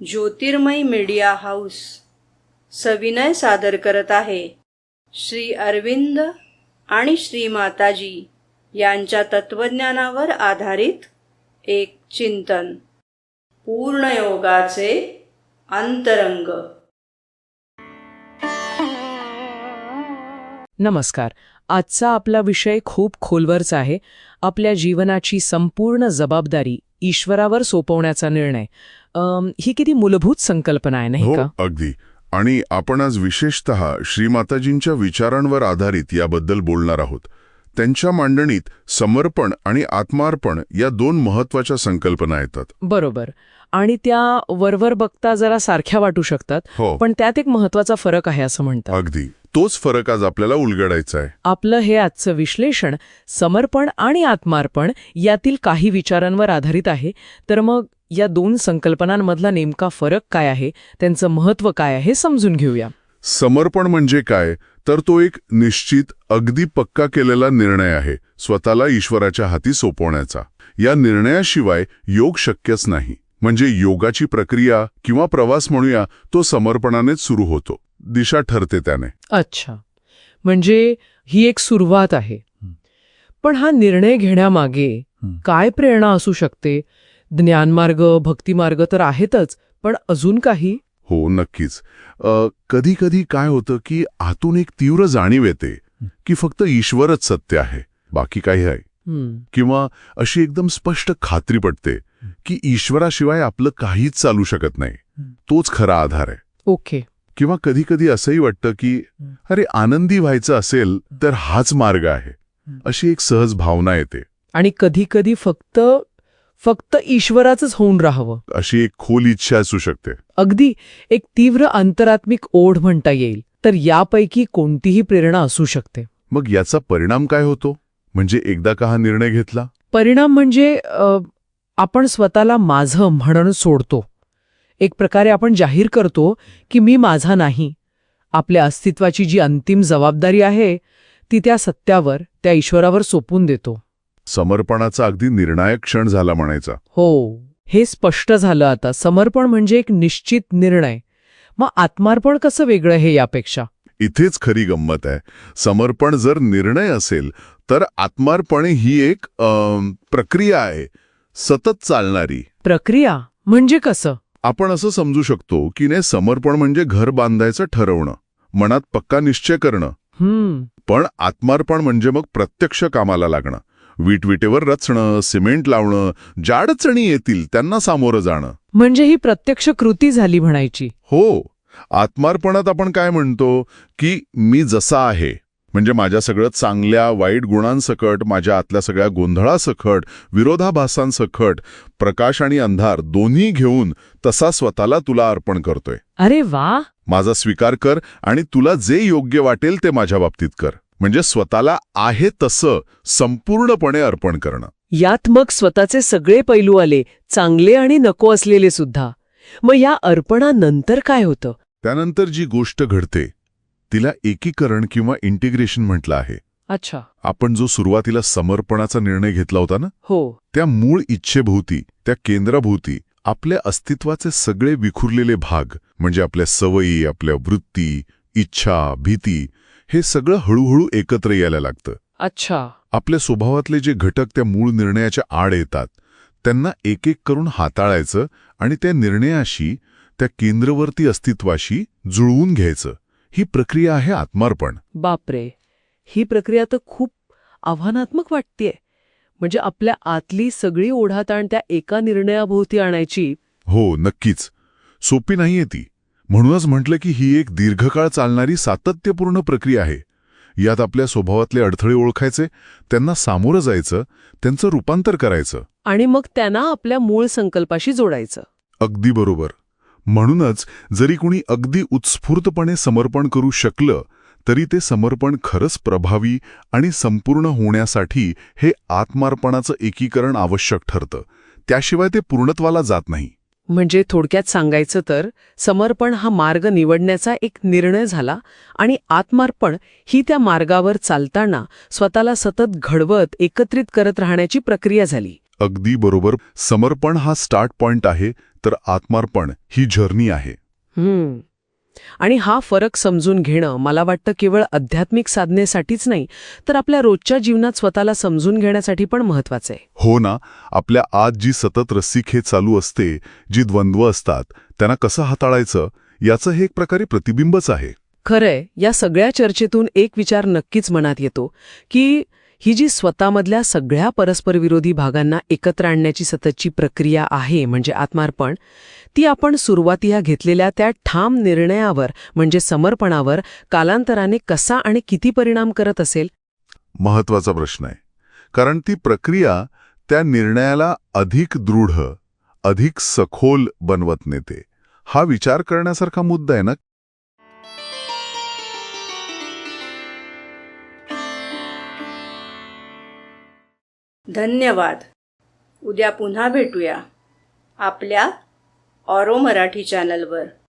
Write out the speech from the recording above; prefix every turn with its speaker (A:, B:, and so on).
A: ज्योतिर्मय media house सविनय सादर करत आहे श्री अरविंद आणि श्री माताजी यांच्या तत्वज्ञानावर आधारित एक चिंतन, पूर्णयोगाचे अंतरंग.
B: नमस्कार. आजचा आपला विषय खूप खोलवरचा आहे. आपल्या जीवनाची संपूर्ण जबाबदारी ईश्वरावर सोपवण्याचा निर्णय. ही किती मूलभूत संकल्पना आहे, नाही का?
C: अगदी. आणि आपण आज विशेषतः श्रीमाताजींच्या विचारांवर आधारित याबद्दल बोलणार आहोत. त्यांच्या मांडणीत समर्पण आणि आत्मार्पण या दोन महत्वाच्या संकल्पना येतात.
B: बरोबर. आणि त्या वरवर बघता जरा सारख्या वाटू शकतात, पण त्यात एक महत्वाचा फरक आहे असं म्हणतात.
C: अगदी तोच फरक आज आपल्याला उलगडायचा आहे.
B: आपलं हे आजचं विश्लेषण समर्पण आणि आत्मार्पण यातील काही विचारांवर आधारित आहे. तर मग या दोन संकल्पनांमधला नेमका फरक काय आहे, त्यांचं महत्त्व काय आहे, समजून घेऊया.
C: समर्पण म्हणजे काय, तर तो एक निश्चित, अगदी पक्का केलेला निर्णय आहे, स्वतःला ईश्वराच्या हाती सोपवण्याचा. या निर्णयाशिवाय योग शक्यच नाही. म्हणजे योगाची प्रक्रिया किंवा प्रवास म्हणूया, तो समर्पणानेच सुरू होतो. दिशा ठरते त्याने.
B: अच्छा, म्हणजे ही एक सुरुवात आहे. पण हा निर्णय घेण्यामागे काय प्रेरणा असू शकते? ज्ञानमार्ग, भक्तिमार्ग तर आहेतच, पण अजून काही?
C: हो, नक्कीच. कधी कधी काय होतं की आतून एक तीव्र जाणीव येते की फक्त ईश्वरच सत्य आहे, बाकी काही आहे. किंवा अशी एकदम स्पष्ट खात्री पटते की ईश्वराशिवाय आपलं काहीच चालू शकत नाही, तोच खरा आधार आहे.
B: ओके.
C: किंवा कधी कधी असंही वाटतं की अरे, आनंदी व्हायचं असेल तर हाच मार्ग आहे, अशी एक सहज भावना येते.
B: आणि कधी कधी फक्त ईश्वराचंच होऊन राहावं,
C: अशी एक खोल इच्छा असू शकते.
B: अगदी एक तीव्र अंतरात्मिक ओढ म्हणता येईल. तर यापैकी कोणतीही प्रेरणा असू शकते.
C: मग याचा परिणाम काय होतो? म्हणजे एकदा का हा निर्णय घेतला,
B: परिणाम म्हणजे आपण स्वतःला माझं म्हणून सोडतो. एक प्रकारे आपण जाहीर करतो की मी माझा नाही. आपल्या अस्तित्वाची जी अंतिम जबाबदारी आहे ती त्या सत्यावर, त्या ईश्वरावर सोपून देतो.
C: समर्पणाचा अगदी निर्णायक क्षण झाला म्हणायचा.
B: हो, हे स्पष्ट झालं आता. समर्पण म्हणजे एक निश्चित निर्णय. मग आत्मार्पण कसं वेगळं हे यापेक्षा?
C: इथेच खरी गंमत आहे. समर्पण जर निर्णय असेल तर आत्मार्पण ही एक प्रक्रिया आहे, सतत चालणारी.
B: प्रक्रिया म्हणजे कसं?
C: आपण असं समजू शकतो की नाही, समर्पण म्हणजे घर बांधायचं ठरवणं, मनात पक्का निश्चय करणं. पण आत्मार्पण म्हणजे मग प्रत्यक्ष कामाला लागणं, विटविटेवर रचणं, सिमेंट लावणं, ज्या अडचणी येतील त्यांना सामोरं जाणं.
B: म्हणजे ही प्रत्यक्ष कृती झाली म्हणायची.
C: हो. आत्मार्पणात आपण काय म्हणतो की मी जसा आहे, म्हणजे माझ्या सगळं चांगल्या वाईट गुणांसकट, माझ्या आतल्या सगळ्या गोंधळासकट, विरोधाभासांसकट, प्रकाश आणि अंधार दोन्ही घेऊन तसा स्वतःला तुला अर्पण करतोय.
B: अरे वा.
C: माझा स्वीकार कर आणि तुला जे योग्य वाटेल ते माझ्या बाबतीत कर. म्हणजे स्वतःला आहे तसं संपूर्णपणे अर्पण करणं.
B: यात मग स्वतःचे सगळे पैलू आले, चांगले आणि नको असलेले सुद्धा. मग या अर्पणानंतर काय होतं?
C: त्यानंतर जी गोष्ट घडते तिला एकीकरण किंवा इंटिग्रेशन म्हटलं आहे.
B: अच्छा.
C: आपण जो सुरुवातीला समर्पणाचा निर्णय घेतला होता ना,
B: हो,
C: त्या मूळ इच्छेभोवती, त्या केंद्राभोवती आपल्या अस्तित्वाचे सगळे विखुरलेले भाग, म्हणजे आपल्या सवयी, आपल्या वृत्ती, इच्छा, भीती, हे सगळं हळूहळू एकत्र यायला लागतं.
B: अच्छा.
C: आपल्या स्वभावातले जे घटक त्या मूळ निर्णयाच्या आड येतात त्यांना एक एक करून हाताळायचं आणि त्या निर्णयाशी, त्या केंद्रवर्ती अस्तित्वाशी जुळवून घ्यायचं. ही प्रक्रिया आहे आत्मार्पण.
B: बापरे, ही प्रक्रिया तर खूप आव्हानात्मक वाटतेय. म्हणजे आपल्या आतली सगळी ओढाताण त्या एका निर्णयाभोवती आणायची.
C: हो, नक्कीच. सोपी नाहीये ती. म्हणूनच म्हटलं की ही एक दीर्घकाळ चालणारी सातत्यपूर्ण प्रक्रिया आहे. यात आपल्या स्वभावातले अडथळे ओळखायचे, त्यांना सामोरं जायचं, त्यांचं रूपांतर करायचं
B: आणि मग त्यांना आपल्या मूळ संकल्पाशी जोडायचं.
C: अगदी बरोबर. म्हणूनच जरी कुणी अगदी उत्स्फूर्तपणे समर्पण करू शकलं तरी ते समर्पण खरंच प्रभावी आणि संपूर्ण होण्यासाठी हे आत्मार्पणाचं एकीकरण आवश्यक ठरतं. त्याशिवाय ते पूर्णत्वाला जात नाही.
B: म्हणजे थोडक्यात सांगायचं तर समर्पण हा मार्ग निवडण्याचा एक निर्णय झाला आणि आत्मार्पण ही त्या मार्गावर चालताना स्वतःला सतत घडवत एकत्रित करत राहण्याची प्रक्रिया झाली.
C: अगदी बरोबर. समर्पण हा स्टार्ट पॉइंट आहे, तर आत्मार्पण ही जर्नी आहे.
B: आणि हा फरक समजून घेणं मला वाटतं केवळ आध्यात्मिक साधनेसाठीच नाही, तर आपल्या रोजच्या जीवनात स्वतःला समजून घेण्यासाठी पण महत्वाचं आहे.
C: हो ना. आपल्या आत जी सतत रस्सीखेच चालू असते, जी द्वंद्व असतात, त्यांना कसं हाताळायचं याचं हे एक प्रकारे प्रतिबिंबच आहे.
B: खरंय, या सगळ्या चर्चेतून एक विचार नक्कीच मनात येतो की ही जी स्वतःमधल्या सगळ्या परस्परविरोधी भागांना एकत्र आणण्याची सततची प्रक्रिया आहे म्हणजे आत्मार्पण, ती आपण सुरुवातीला घेतलेल्या त्या ठाम निर्णयावर म्हणजे समर्पणावर कालांतराने कसा आणि किती परिणाम करत असेल?
C: महत्वाचा प्रश्न आहे. कारण ती प्रक्रिया त्या निर्णयाला अधिक दृढ, अधिक सखोल बनवत नेते. हा विचार करण्यासारखा मुद्दा आहे ना.
A: धन्यवाद. उद्या पुन्हा भेटूया आपल्या ऑरो मराठी चॅनलवर.